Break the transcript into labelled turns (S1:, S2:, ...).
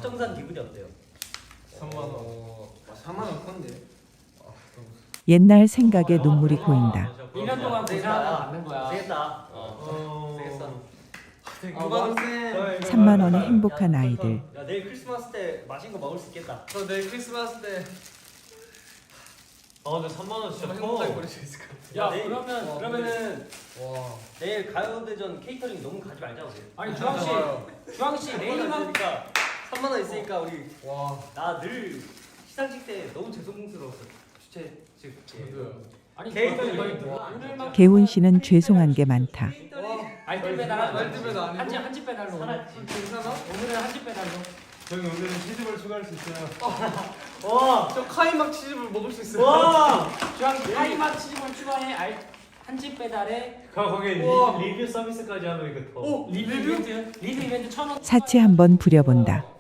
S1: 합정산 기분이 어때요?
S2: 3만 원. 4만 원 건데.
S3: 옛날 생각에 눈물이 고인다.
S4: 1년 동안 고생하다 받는 거야.
S1: 세겠다. 세겠어.
S3: 3만 원의 행복한 아이들.
S1: 야 내일 크리스마스 때 맛있는 거 먹을 수 있겠다.
S2: 저 내일 크리스마스 때.
S5: 근데 3만 원 진짜
S2: 행복하게 보낼 수 있을 것 같아.
S4: 야
S1: 내일-
S4: 그러면은
S2: 와.
S1: 내일 가요대전 케이터링 너무 가지 말자 우리.
S4: 아니 주황 씨 내일만
S1: 있으니까 3만 원 있으니까 우리
S2: 와.
S1: 나 늘 시상식 때 너무 죄송스러웠어. 주최 측.
S4: 아니
S1: 케이터링
S4: 오늘만
S3: 개훈 씨는 죄송한 게 많다.
S4: 알뜰 배달
S2: 알뜰 배달 아니고?
S4: 한집 배달로
S2: 괜찮아?
S4: 오늘은 한집 배달로.
S5: 저희 오늘은 치즈볼 추가할 수 있어요.
S1: 와.
S2: 저 카이막 치즈볼 먹을 수 있어요.
S1: 와.
S4: 주황 타이맛 치즈볼 추가해 한집 배달에
S5: 거기에
S2: 우와.
S5: 리뷰 서비스까지 하면 이거 더.
S4: 리뷰 이벤트 1,000원.
S3: 사치 한번 부려본다.